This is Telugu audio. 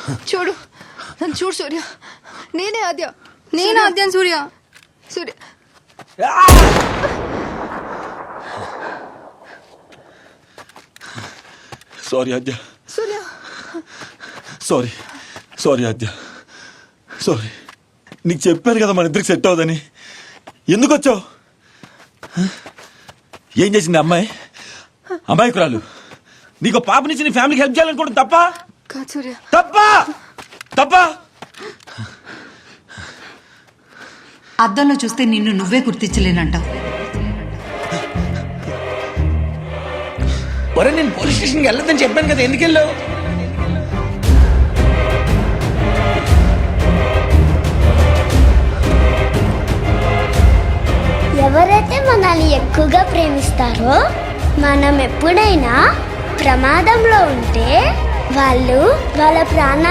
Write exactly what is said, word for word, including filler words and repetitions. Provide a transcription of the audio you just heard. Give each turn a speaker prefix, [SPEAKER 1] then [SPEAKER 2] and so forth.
[SPEAKER 1] చూడు నన్ను చూడు సూర్య, నేనే ఆద్య.
[SPEAKER 2] నేను ఆద్యం Surya.
[SPEAKER 1] Surya
[SPEAKER 3] sorry Aadya,
[SPEAKER 1] Surya
[SPEAKER 3] sorry sorry Aadya, sorry. నీకు చెప్పాను కదా మన ఇద్దరికి సెట్ అవ్వదని. ఎందుకు వచ్చావు? ఏం చేసింది అమ్మాయి? అమాయకురాలు. నీకు పాప నుంచి నీ ఫ్యామిలీకి హెల్ప్ చేయాలనుకోవడం తప్ప
[SPEAKER 1] కాదు సూర్య.
[SPEAKER 3] తప్ప తప్ప
[SPEAKER 4] అద్దంలో చూస్తే నిన్ను నువ్వే గుర్తించలేనంటావు.
[SPEAKER 5] ఒరే నేను పోలీస్ స్టేషన్కి వెళ్ళొద్దని చెప్పాను కదా, ఎందుకు వెళ్ళావు?
[SPEAKER 6] ఎవరైతే మనల్ని ఎక్కువగా ప్రేమిస్తారో మనం ఎప్పుడైనా ప్రమాదంలో ఉంటే వాళ్ళు వాళ్ళ ప్రాణాలు